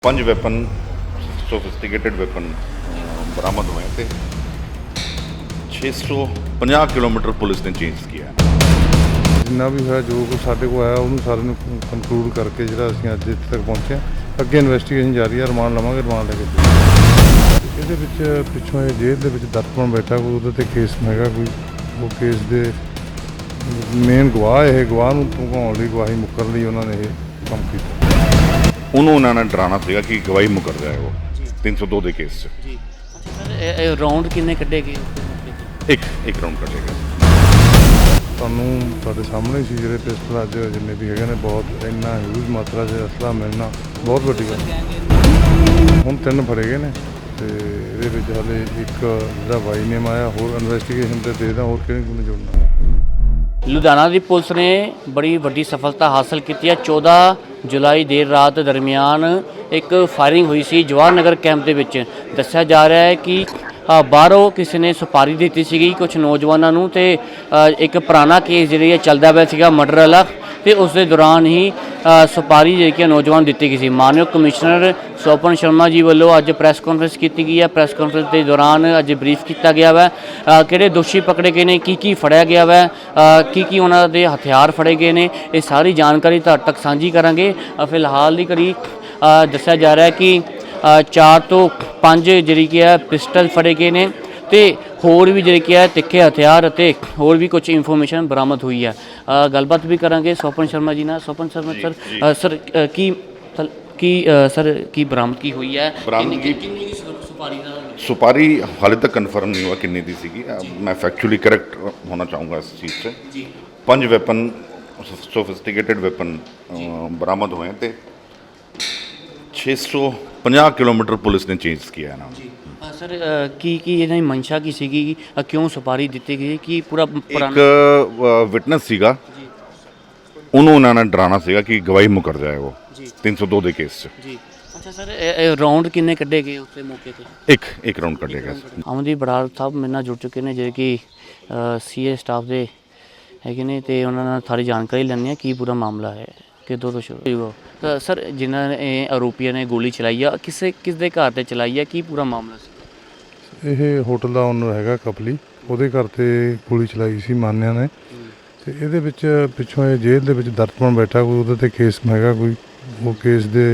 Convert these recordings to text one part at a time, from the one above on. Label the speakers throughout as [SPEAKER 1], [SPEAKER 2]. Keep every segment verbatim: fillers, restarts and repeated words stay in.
[SPEAKER 1] ਪੰਜ weapon sophisticated weapon ਬਰਾਮਦ ਹੋਏ ਤੇ ਛੇ ਸੌ ਪੰਜਾਹ ਕਿਲੋਮੀਟਰ ਪੁਲਿਸ ਨੇ ਚੇਂਜ ਕੀਤਾ।
[SPEAKER 2] ਜਿੰਨਾ ਵੀ ਹੋਇਆ ਜੋ ਕੁਛ ਸਾਡੇ ਕੋਲ ਆਇਆ ਉਹਨੂੰ ਸਾਰੇ ਨੂੰ ਕੰਕਲੂਡ ਕਰਕੇ ਜਿਹੜਾ ਅਸੀਂ ਅੱਜ ਇੱਥੇ ਤੱਕ ਪਹੁੰਚੇ ਹਾਂ। ਅੱਗੇ ਇਨਵੈਸਟੀਗੇਸ਼ਨ ਜਾਰੀ ਹੈ, ਰਿਮਾਂਡ ਲਵਾਂਗੇ, ਰਿਮਾਂਡ ਲੈ ਕੇ ਇਹਦੇ ਵਿੱਚ ਪਿੱਛੋਂ ਇਹ ਜੇਲ੍ਹ ਦੇ ਵਿੱਚ ਦਰਪਣ ਬੈਠਾ ਕੋਈ ਉਹਦੇ 'ਤੇ ਕੇਸ ਹੈਗਾ ਕੋਈ, ਉਹ ਕੇਸ ਦੇ ਮੇਨ ਗਵਾਹ ਇਹ ਗਵਾਹ ਨੂੰ ਭਗਾਉਣ ਲਈ ਗਵਾਹੀ ਮੁੱਕਰਨ ਲਈ ਉਹਨਾਂ ਨੇ ਇਹ ਕੰਮ ਕੀਤਾ।
[SPEAKER 1] ਉਹਨੂੰ ਉਹਨਾਂ ਨੇ ਡਰਾਉਣਾ ਸੀਗਾ ਕਿ ਗਵਾਹੀ ਮੁਕਰ ਜਾਏ ਉਹ ਤਿੰਨ ਸੌ ਦੋ ਦੇ ਕੇਸ 'ਚ।
[SPEAKER 3] ਜੀ ਅੱਛਾ ਸਰ, ਇਹ ਰਾਉਂਡ ਕਿੰਨੇ ਕੱਢੇ ਗਏ?
[SPEAKER 1] ਇੱਕ ਇੱਕ ਰਾਉਂਡ ਕੱਢੇਗਾ।
[SPEAKER 2] ਤੁਹਾਨੂੰ ਤੁਹਾਡੇ ਸਾਹਮਣੇ ਹੀ ਸੀ ਜਿਹੜੇ ਪਿਸਟਲ ਅੱਜ ਜਿੰਨੇ ਵੀ ਹੈਗੇ ਨੇ, ਬਹੁਤ ਇੰਨਾ ਹਿਊਜ ਮਾਤਰਾ 'ਚ ਅਸਲਾ ਮਿਲਣਾ ਬਹੁਤ ਵੱਡੀ ਗੱਲ। ਹੁਣ ਤਿੰਨ ਫੜੇ ਗਏ ਨੇ ਤੇ ਇਹਦੇ ਵਿੱਚ ਹਾਲੇ ਇੱਕ ਜਿਹੜਾ ਵਾਈ ਨੇਮ ਆਇਆ, ਹੋਰ ਇਨਵੈਸਟੀਗੇਸ਼ਨ ਤੇ ਦੇਖਦਾ ਹੋਰ ਕਿਹਨੇ ਕਿਹਨੇ ਜੁੜਨਾ।
[SPEAKER 3] ਲੁਧਿਆਣਾ ਦੀ ਪੁਲਿਸ ਨੇ ਬੜੀ ਵੱਡੀ ਸਫਲਤਾ ਹਾਸਲ ਕੀਤੀ ਹੈ। ਚੌਦਾਂ ਜੁਲਾਈ ਦੇਰ ਰਾਤ ਦਰਮਿਆਨ ਇੱਕ ਫਾਇਰਿੰਗ ਹੋਈ ਸੀ ਜਵਾਹਰ ਨਗਰ ਕੈਂਪ ਦੇ ਵਿੱਚ। ਦੱਸਿਆ ਜਾ ਰਿਹਾ ਹੈ ਕਿ ਬਾਹਰੋਂ ਕਿਸੇ ਨੇ ਸੁਪਾਰੀ ਦਿੱਤੀ ਸੀਗੀ ਕੁਝ ਨੌਜਵਾਨਾਂ ਨੂੰ ਤੇ ਇੱਕ ਪੁਰਾਣਾ ਕੇਸ ਜਿਹੜੀ ਹੈ ਚੱਲਦਾ ਪਿਆ ਸੀਗਾ ਮਰਡਰ ਵਾਲਾ, ਤੇ ਉਸ ਦੇ ਦੌਰਾਨ ਹੀ ਸੁਪਾਰੀ ਜਿਹੜੀ ਕਿ ਨੌਜਵਾਨ ਦਿੱਤੀ ਗਈ ਸੀ। ਮਾਨਯੋਗ ਕਮਿਸ਼ਨਰ ਸੋਪਨ ਸ਼ਰਮਾ ਜੀ ਵੱਲੋਂ ਅੱਜ ਪ੍ਰੈਸ ਕਾਨਫਰੰਸ ਕੀਤੀ ਗਈ ਹੈ। ਪ੍ਰੈਸ ਕਾਨਫਰੰਸ ਦੇ ਦੌਰਾਨ ਅੱਜ ਬਰੀਫ ਕੀਤਾ ਗਿਆ ਵਾ ਕਿਹੜੇ ਦੋਸ਼ੀ ਪਕੜੇ ਗਏ ਨੇ, ਕੀ ਕੀ ਫੜਿਆ ਗਿਆ ਵਾ, ਕੀ ਕੀ ਉਹਨਾਂ ਦੇ ਹਥਿਆਰ ਫੜੇ ਗਏ ਨੇ, ਇਹ ਸਾਰੀ ਜਾਣਕਾਰੀ ਤੁਹਾਡੇ ਤੱਕ ਸਾਂਝੀ ਕਰਾਂਗੇ। ਫਿਲਹਾਲ ਦੀ ਘੜੀ ਦੱਸਿਆ ਜਾ ਰਿਹਾ ਹੈ ਕਿ ਚਾਰ ਤੋਂ ਪੰਜ ਜਿਹੜੀ ਕਿ ਹੈ ਪਿਸਟਲ ਫੜੇ ਗਏ ਨੇ ਤੇ ਹੋਰ ਵੀ ਜਿਹੜੀ ਕਿ ਹੈ ਤਿੱਖੇ ਹਥਿਆਰ ਅਤੇ ਹੋਰ ਵੀ ਕੁਝ ਇਨਫੋਰਮੇਸ਼ਨ ਬਰਾਮਦ ਹੋਈ ਹੈ। ਗੱਲਬਾਤ ਵੀ ਕਰਾਂਗੇ ਸੋਪਨ ਸ਼ਰਮਾ ਜੀ ਨਾਲ। ਸੋਪਨ ਸ਼ਰਮਾ ਸਰ ਸਰ ਕੀ ਕੀ ਸਰ ਕੀ ਬਰਾਮਦਗੀ ਹੋਈ ਹੈ?
[SPEAKER 1] ਬਰਾਮਦਗੀ
[SPEAKER 3] ਕਿੰਨੀ ਸੁਪਾਰੀ ਦਾ
[SPEAKER 1] ਸੁਪਾਰੀ ਹਾਲੇ ਤੱਕ ਕਨਫਰਮ ਨਹੀਂ ਹੋਇਆ ਕਿੰਨੀ ਦੀ ਸੀਗੀ। ਮੈਂ ਫੈਕਚੁਅਲੀ ਕਰੈਕਟ ਹੋਣਾ ਚਾਹੂੰਗਾ ਇਸ ਚੀਜ਼ 'ਚ।
[SPEAKER 3] ਜੀ
[SPEAKER 1] ਪੰਜ ਵੈਪਨ ਸੋਫਿਸਟੀਕੇਟਡ ਵੈਪਨ ਬਰਾਮਦ ਹੋਏ ਤੇ ਛੇ ਸੌ ਪੰਜਾਹ ਕਿਲੋਮੀਟਰ ਪੁਲਿਸ ਨੇ ਚੇਂਜ ਕੀਤਾ ਨਾ।
[SPEAKER 3] ਜੀ ਸਰ, ਕੀ ਕੀ ਇਹਨਾਂ ਦੀ ਮਨਸ਼ਾ ਕੀ ਸੀਗੀ, ਕਿਉਂ ਸੁਪਾਰੀ ਦਿੱਤੀ ਗਈ, ਕੀ ਪੂਰਾ
[SPEAKER 1] ਇੱਕ ਵਿਟਨੈਸ ਸੀਗਾ, ਉਹਨੂੰ ਉਹਨਾਂ ਨੇ ਡਰਾਉਣਾ ਸੀਗਾ ਕਿ ਗਵਾਹੀ ਮੁਕਰ ਜਾਏ ਉਹ ਤਿੰਨ ਸੌ ਦੋ ਦੇ ਕੇਸ 'ਚ।
[SPEAKER 3] ਜੀ ਅੱਛਾ ਸਰ, ਇਹ ਰਾਉਂਡ ਕਿੰਨੇ ਕੱਢੇ ਗਏ ਉਸੇ ਮੌਕੇ ਤੇ?
[SPEAKER 1] ਇੱਕ ਇੱਕ ਰਾਉਂਡ ਕੱਢੇਗਾ।
[SPEAKER 3] ਅਮਨਦੀਪ ਬਰਾੜ ਸਾਹਿਬ ਮੇਰੇ ਨਾਲ ਜੁੜ ਚੁੱਕੇ ਨੇ ਜਿਹੜੇ ਕਿ ਸੀਏ ਸਟਾਫ ਦੇ ਹੈਗੇ ਨੇ, ਤੇ ਉਹਨਾਂ ਨਾਲ ਸਾਰੀ ਜਾਣਕਾਰੀ ਲੈਣੀ ਹੈ ਕੀ ਪੂਰਾ ਮਾਮਲਾ ਹੈ, ਕਿੱਦੋਂ ਤੋਂ ਸ਼ੁਰੂ ਹੋਇਆ। ਸਰ, ਜਿਨ੍ਹਾਂ ਨੇ ਆਰੋਪੀਆਂ ਨੇ ਗੋਲੀ ਚਲਾਈ ਆ, ਕਿਸੇ ਕਿਸ ਦੇ ਘਰ ਤੇ ਚਲਾਈ ਆ, ਕੀ ਪੂਰਾ ਮਾਮਲਾ ਸੀ?
[SPEAKER 2] ਇਹ ਹੋਟਲ ਦਾ ਓਨਰ ਹੈਗਾ ਕਪਲੀ, ਉਹਦੇ ਘਰ ਤੇ ਗੋਲੀ ਚਲਾਈ ਸੀ ਮਾਨਿਆ ਨੇ। ਤੇ ਇਹਦੇ ਵਿੱਚ ਪਿੱਛੋਂ ਇਹ ਜੇਲ੍ਹ ਦੇ ਵਿੱਚ ਦਰਪਣ ਬੈਠਾ ਕੋਈ, ਉਹਦੇ 'ਤੇ ਕੇਸ ਹੈਗਾ ਕੋਈ, ਉਹ ਕੇਸ ਦੇ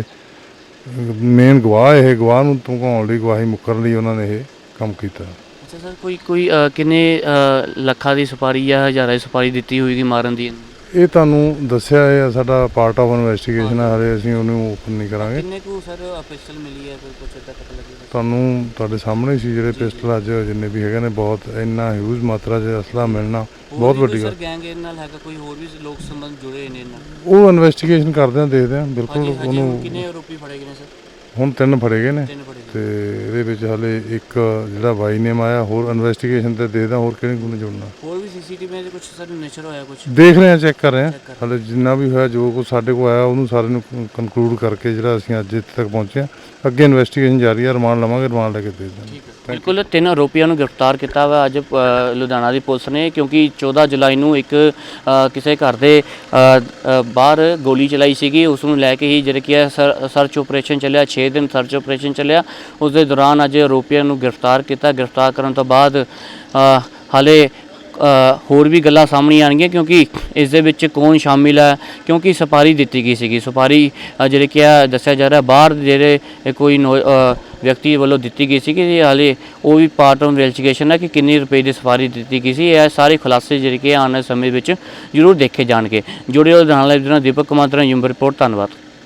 [SPEAKER 2] ਮੇਨ ਗਵਾਹ ਇਹ ਗਵਾਹ ਨੂੰ ਭਗਾਉਣ ਲਈ ਗਵਾਹੀ ਮੁੱਕਰਨ ਲਈ ਉਹਨਾਂ ਨੇ ਇਹ ਕੰਮ ਕੀਤਾ।
[SPEAKER 3] ਅੱਛਾ ਸਰ, ਕੋਈ ਕੋਈ ਕਿੰਨੇ ਲੱਖਾਂ ਦੀ ਸੁਪਾਰੀ ਜਾਂ ਹਜ਼ਾਰਾਂ ਦੀ ਸੁਪਾਰੀ ਦਿੱਤੀ ਹੋਏਗੀ ਮਾਰਨ ਦੀ?
[SPEAKER 2] ਇਹ ਤੁਹਾਨੂੰ ਦੱਸਿਆ ਹੈ, ਸਾਡਾ ਪਾਰਟ ਆਫ ਇਨਵੈਸਟੀਗੇਸ਼ਨ ਹੈ, ਹਾਲੇ ਅਸੀਂ ਉਹਨੂੰ ਓਪਨ ਨਹੀਂ ਕਰਾਂਗੇ।
[SPEAKER 3] ਕਿੰਨੇ ਕੁ ਸਰ ਪਿਸਟਲ ਮਿਲੀ ਹੈ, ਕੋਈ ਕੁਝ ਇੱਦਾਂ ਪਤਾ ਲੱਗੇਗਾ?
[SPEAKER 2] ਤੁਹਾਨੂੰ ਤੁਹਾਡੇ ਸਾਹਮਣੇ ਹੀ ਸੀ ਜਿਹੜੇ ਪਿਸਟਲ ਅੱਜ ਜਿੰਨੇ ਵੀ ਹੈਗੇ ਨੇ, ਬਹੁਤ ਇੰਨਾ ਹਿਊਜ ਮਾਤਰਾ 'ਚ ਅਸਲਾ ਮਿਲਣਾ ਬਹੁਤ ਵੱਡੀ ਗੱਲ।
[SPEAKER 3] ਸਰ ਗੈਂਗ ਇਹ ਨਾਲ ਹੈਗਾ, ਕੋਈ ਹੋਰ ਵੀ ਲੋਕ ਸੰਬੰਧ ਜੁੜੇ ਨੇ ਇਹਨਾਂ?
[SPEAKER 2] ਉਹ ਇਨਵੈਸਟੀਗੇਸ਼ਨ ਕਰਦੇ ਹਾਂ, ਦੇਖਦੇ ਹਾਂ ਬਿਲਕੁਲ ਉਹਨੂੰ।
[SPEAKER 3] ਕਿੰਨੇ ਆਰੋਪੀ ਫੜੇ ਗਏ ਨੇ ਸਰ?
[SPEAKER 2] ਹੁਣ ਤਿੰਨ ਫੜੇ ਗਏ ਨੇ
[SPEAKER 3] ਤਿੰਨ ਫੜੇ
[SPEAKER 2] ਤੇ ਇਹਦੇ ਵਿੱਚ ਹਾਲੇ ਇੱਕ ਜਿਹੜਾ ਵਾਈ ਨੇਮ ਆਇਆ, ਹੋਰ ਇਨਵੈਸਟੀਗੇਸ਼ਨ ਤੇ ਦੇਖਦਾ ਹੋਰ ਕਿਹਨੇ ਕਿਹਨੇ ਜੁੜਨਾ।
[SPEAKER 3] ਹੋਰ ਵੀ ਸੀਸੀਟੀਵੀ ਦੇ ਕੁਝ ਸਰ ਨੇਚਰ ਹੋਇਆ ਕੁਝ?
[SPEAKER 2] ਦੇਖ ਰਹੇ ਹਾਂ, ਚੈੱਕ ਕਰ ਰਹੇ ਹਾਂ। ਹਾਲੇ ਜਿੰਨਾ ਵੀ ਹੋਇਆ ਜੋ ਕੁਛ ਸਾਡੇ ਕੋਲ ਆਇਆ ਉਹਨੂੰ ਸਾਰੇ ਨੂੰ ਕੰਕਲੂਡ ਕਰਕੇ ਜਿਹੜਾ ਅਸੀਂ ਅੱਜ ਇੱਥੇ ਤੱਕ ਪਹੁੰਚੇ ਹਾਂ। ਅੱਗੇ ਇਨਵੈਸਟੀਗੇਸ਼ਨ ਜਾਰੀ ਹੈ, ਰਿਮਾਂਡ ਲਵਾਂਗੇ, ਰਿਮਾਂਡ ਲੈ ਕੇ ਭੇਜ ਦਾਂਗੇ।
[SPEAKER 3] ਬਿਲਕੁਲ, ਤਿੰਨ ਆਰੋਪੀਆਂ ਨੂੰ ਗ੍ਰਿਫਤਾਰ ਕੀਤਾ ਵਾ ਅੱਜ ਲੁਧਿਆਣਾ ਦੀ ਪੁਲਿਸ ਨੇ, ਕਿਉਂਕਿ ਚੌਦਾਂ ਜੁਲਾਈ ਨੂੰ ਇੱਕ ਕਿਸੇ ਘਰ ਦੇ ਬਾਹਰ ਗੋਲੀ ਚਲਾਈ ਸੀਗੀ। ਉਸ ਨੂੰ ਲੈ ਕੇ ਹੀ ਜਿਹੜੇ ਕਿ ਸਰਚ ਆਪਰੇਸ਼ਨ ਚੱਲਿਆ, ਛੇ ਦਿਨ ਸਰਚ ਆਪਰੇਸ਼ਨ ਚੱਲਿਆ। ਉਸ ਦੇ ਦੌਰਾਨ ਅੱਜ ਆਰੋਪੀਆਂ ਨੂੰ ਗ੍ਰਿਫਤਾਰ ਕੀਤਾ। ਗ੍ਰਿਫਤਾਰ ਕਰਨ ਤੋਂ ਬਾਅਦ ਹਾਲੇ ਹੋਰ ਵੀ ਗੱਲਾਂ ਸਾਹਮਣੇ ਆਉਣਗੀਆਂ, ਕਿਉਂਕਿ ਇਸ ਦੇ ਵਿੱਚ ਕੌਣ ਸ਼ਾਮਿਲ ਹੈ, ਕਿਉਂਕਿ ਸੁਪਾਰੀ ਦਿੱਤੀ ਗਈ ਸੀਗੀ। ਸੁਪਾਰੀ ਜਿਹੜੇ ਕਿ ਦੱਸਿਆ ਜਾ ਰਿਹਾ ਬਾਹਰ ਜਿਹੜੇ ਕੋਈ ਨੋ ਵਿਅਕਤੀ ਵੱਲੋਂ ਦਿੱਤੀ ਗਈ ਸੀਗੀ। ਹਾਲੇ ਉਹ ਵੀ ਪਾਰਟ ਆਫ ਇਨਵੈਸਟੀਗੇਸ਼ਨ ਹੈ ਕਿ ਕਿੰਨੀ ਰੁਪਏ ਦੀ ਸੁਪਾਰੀ ਦਿੱਤੀ ਗਈ ਸੀ। ਇਹ ਸਾਰੇ ਖੁਲਾਸੇ ਜਿਹੜੇ ਕਿ ਆਉਣ ਵਾਲੇ ਸਮੇਂ ਵਿੱਚ ਜ਼ਰੂਰ ਦੇਖੇ ਜਾਣਗੇ। ਜੁੜੇ ਹੋਏ ਨਾਲ ਦੀਪਕ ਕੁਮਾਰ ਦਾ ਯੂਮ ਰਿਪੋਰਟ। ਧੰਨਵਾਦ।